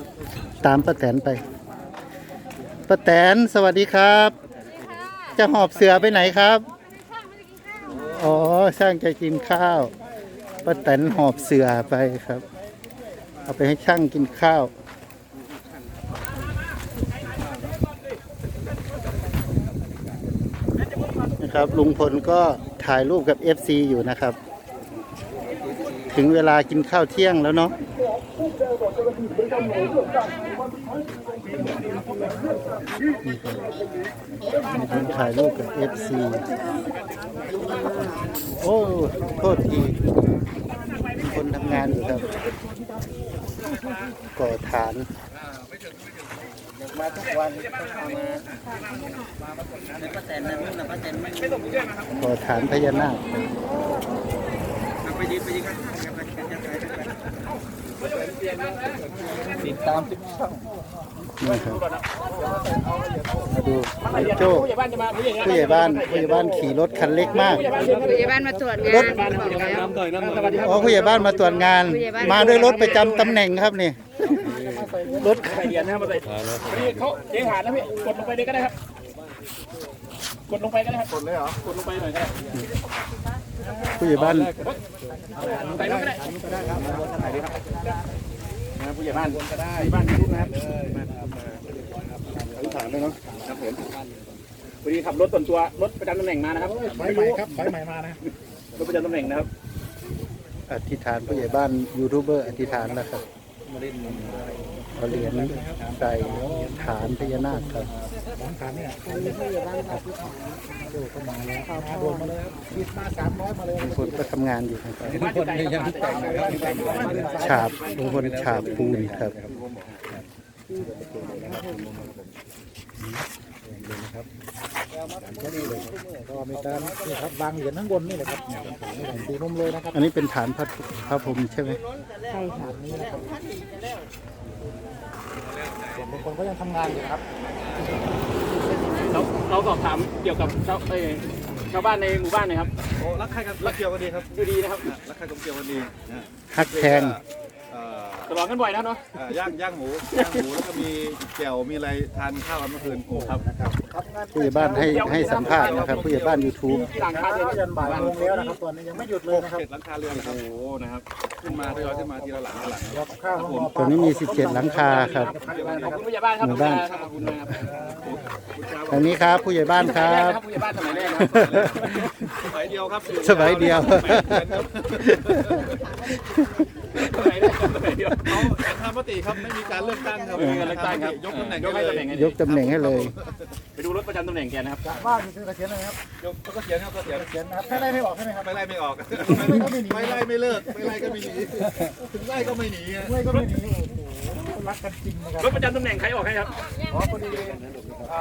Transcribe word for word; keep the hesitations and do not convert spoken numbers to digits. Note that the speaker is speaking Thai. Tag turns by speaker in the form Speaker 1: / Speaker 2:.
Speaker 1: ตามป้าแตนไปป้าแตนสวัสดีครับ จะหอบเสือไปไหนครับอ๋อช่างจะกินข้าวป้าแตนหอบเสือไปครับเอาไปให้ช่างกินข้าวนะครับลุงพลก็ถ่ายรูปกับ เอฟ ซี อยู่นะครับถึงเวลากินข้าวเที่ยงแล้วเนาะลุงพลถ่ายรูปกับ เอฟ ซี โอ้โทษทีคนทำงานอยู่ครับก่อฐานมาทุกวันก่อฐานพญานาคติดตามทุกช่องนี่ครับมาดูโจ้ผู้ใหญ่บ้านผู้ใหญ่บ้านขี่รถคันเล็กมาก
Speaker 2: ผู้ใหญ่บ้านมาตรวจงาน
Speaker 1: อ๋อผู้ใหญ่บ้านมาตรวจงานมาด้วยรถประจำตำแหน่งครับนี่รถ
Speaker 3: ใส่เหรียญนะครับมาใส่นี่เขาเจ๊หาดนะพี่กดลงไปเลยก็ได้ครับกดลงไปก็ได้ครับกดเลยเหรอกดลงไปหน่อยก็ได้
Speaker 1: ผู้ใหญ่บ้าน
Speaker 3: ใส่ลงก็ได้ก็ได้ครับบนทางไหนดีครับนะผู้ใหญ่บ้านก็ได้บ้านรุ่นนะครับถามเลยเนาะครับผมพอดีขับรถส่วนตัวรถประจำตำแหน่งมานะครับไฟใหม่ครับไฟใหม่มานะรถประจำตำแหน่งนะครับ
Speaker 1: อธิษฐานผู้ใหญ่บ้านยูทูบเบอร์อธิษฐานแล้วครับเอาเหรียญใส่ฐานพญานาคครับฐานเนี่ยผู้ใหญ่บ้านอธิษฐานดูเข้ามาแล้วโดนมาเลยครับคิดมาสามร้อยมาเลยลุงพลก็ทำงานอยู่นะครับลุงพลยังแต่งฉาบลุงพลฉาบปูนครับ
Speaker 4: ก็มีการนี่ครับวางเหรียญข้างบนนี่แหละครับตีนมเลยนะครับ
Speaker 1: อันนี้เป็นฐานพระพระพรหมใช่ไหม
Speaker 4: ใช่ฐานนี้นะครับส่วนบางคนก็ยังทำงานอยู่ครับ
Speaker 3: เราเราสอบถามเกี่ยวกับชาวเอ้ชาวบ้านในหมู่บ้านหน่อยครับ
Speaker 5: โอ้รักใครกันรักเกี่ยวกันดีครับ
Speaker 3: ดูดีนะครับ
Speaker 5: รักใครกับเกี่ยวกันดี
Speaker 1: ฮักแทง
Speaker 3: ตลอดกันบ่อยนะเนาะ
Speaker 5: ย่างย่างหมูย่างหมูแล้วก็มีแจ่วมีอะไรทานข้าวกันเมื่อคืนโอ้ครับ
Speaker 1: ผู้ใหญ่บ้านให้ให้สัมภาษณ์นะครับผู้ใหญ่บ้าน ยูทูบ
Speaker 3: หลังคาเรือน
Speaker 4: ยันบ่ายโมงแล้วนะครับตอนนี้ยังไม่หยุดเลยนะครับ
Speaker 5: เจ็ดหลังคาเรือนโอ้โหนะครับขึ้นมาทยอยขึ้นมาทีละหลังละหลัง
Speaker 4: รอข้าวผม
Speaker 1: ตอนนี้มีสิบเจ็ดหลังคาครับ
Speaker 3: ขอบคุณผู้ใหญ่บ้านครับ
Speaker 1: หมู่บ้าน
Speaker 3: ขอบคุณนะครับ
Speaker 1: ทางนี้ครับผู้ใหญ่บ้านครับ
Speaker 3: ผู้ใหญ่บ้านสมัยแรกนะ
Speaker 5: สมัยเดียวครับ
Speaker 1: สมัยเดียว
Speaker 5: เขาทำมติครับไม่มีการเลือกตั้งครับไม่มีการเลือกตั้งครับยกตำแหน่ง
Speaker 3: ยกให้ตำแหน่ง
Speaker 1: ยกตำแหน่งให้เลย
Speaker 3: ไปดูรถประจำตำแหน่งแกนะครับ
Speaker 4: บ้านคือเขียนอะไรครับ
Speaker 5: ยกก็เขียนครับก็เขียน
Speaker 4: เขียนนะครับไม่ไล่ไม่ออกใช่ไหมครับ
Speaker 5: ไม่ไล่ไม่ออกไม่ไล่ไม่เลิกไม่ไล่ก็ไม่หนีถึงไล่ก็ไม่หนี
Speaker 4: ไม่ก็ไม่หนีโอ้โหรักกันจริงนะครับ
Speaker 3: รถประจำตำแหน่งใครออกให้ครับ
Speaker 4: อ๋อพอดี